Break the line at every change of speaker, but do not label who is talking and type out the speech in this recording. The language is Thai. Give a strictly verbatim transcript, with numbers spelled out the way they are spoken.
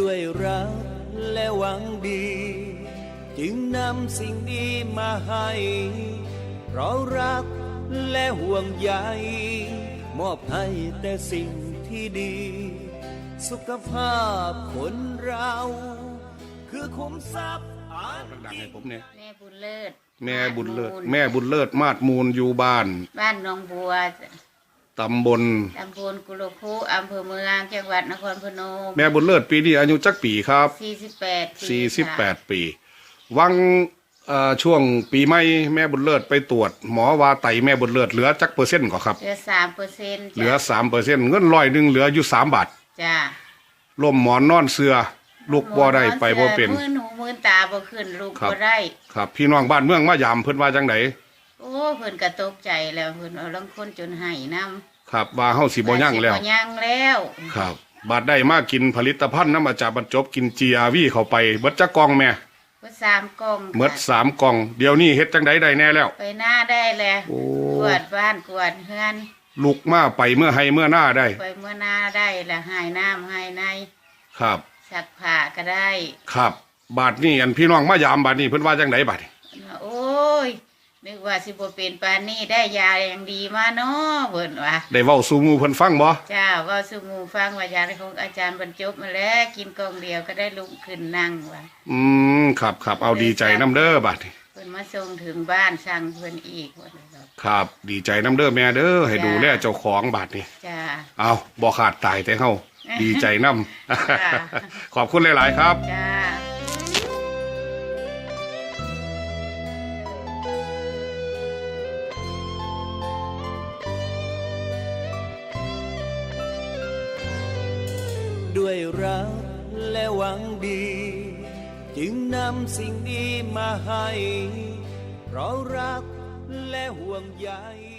ด้วยรักและหวังดี จึงนำสิ่งดีมาให้เพราะรักและห่วงใยมอบให้แต่สิ่งที่ดี สุขภาพคนเราคือคุ้มทรัพย์อัน
ดังๆให้ผมเนี่ย
แม่บุญเลิศ
แม่บุญเลิศแม่บุญเลิศมาดมูลอยู่บ้าน
บ้านหนองบัว
ตำบล
ตำบลกุโลคุอำเภอเมืองจังหวัดนครพนม
แม่บุญเลิศปีนี้อายุจักปีครับ
สี่สิบแปด
สี่สิบแปดปีวังเอ่อช่วงปีใหม่แม่บุญเลิศไปตรวจหมอว่าไตแม่บุญเลิศเหลือจักเปอร์เซ็นต์ก่อครับ
เหลือสามเปอร์เซ็นต์
เหลือสามเปอร์เซ็นต์เงินร้อยหนึ่งเหลืออยู่สามบาท
จ้า
ล่มหมอนนอนเสือลูกบ่ได้ไปบ่เป็น
มือหนูมือตาบ่ขึ้นลูก
ครับ
บ่ได้
ครับพี่น้องบ้านเมืองมายามเพิ่นว่าจังได
โอ้เพิ่นก็ตกใจแล้วเพิ่นเอาลังคนจนไห้น้ำ
ครับว่าเฮาสิบ่ยั่งแล้ว
สิบ่ยั่งแล้ว
ครับบาดได้มากินผลิตภัณฑ์น้ำอาจารย์บรรจบกิน จี อาร์ วี เข้าไปเบิดจักกล่องแม่
ก็สามกล่อง
เบิดสามกล่องเดี๋ยวนี้เฮ็ดจังไดได้แน่แล้ว
ไปหน้าได้แล้ว
โอ้
กวาดบ้านกวาดเฮือน
ลุกมาไปเมื่อให้เมื่อหน้าได้
ไปเมื่อหน้าได้แล้วหายน้ำหายใน
ครับ
ซักผ้าก็ได้
ครับ บาดนี้อันพี่น้องมายามบาดนี้เพิ่นว่าจังไดบาดนี้
โอ้ยนึกว่าสิบ่เป็นปานนี้ได้ยาอย่างดีมาเนาะเพิ่นว่า
ได้เว้าสู่หมู่เพิ่นฟังบ่
จ้าเว่าสู่หมู่ฟังว่ายาของอาจารย์บรรจบมาแล้วกินกล่องเดียวก็ได้ลุกขึ้นนั่งว่า
อืมครับครับเอาดีใจน้ำเด้อบาดนี้
เพิ่นมาส่งถึงบ้านสั่งเพิ่นอีกว่าซั่นดอก
ครับดีใจน้ำเด้อแม่เด้อให้
จ้า
ดูแลเจ้าของบาดนี้
จ้า
เอาบ่ขาดตายแต่เฮาดีใจนำ
จ้า
ขอบคุณหลายๆครับ
จ้า
ด้วยรักและหวังดี จึงนำสิ่งดีมาให้เพราะรักและห่วงใย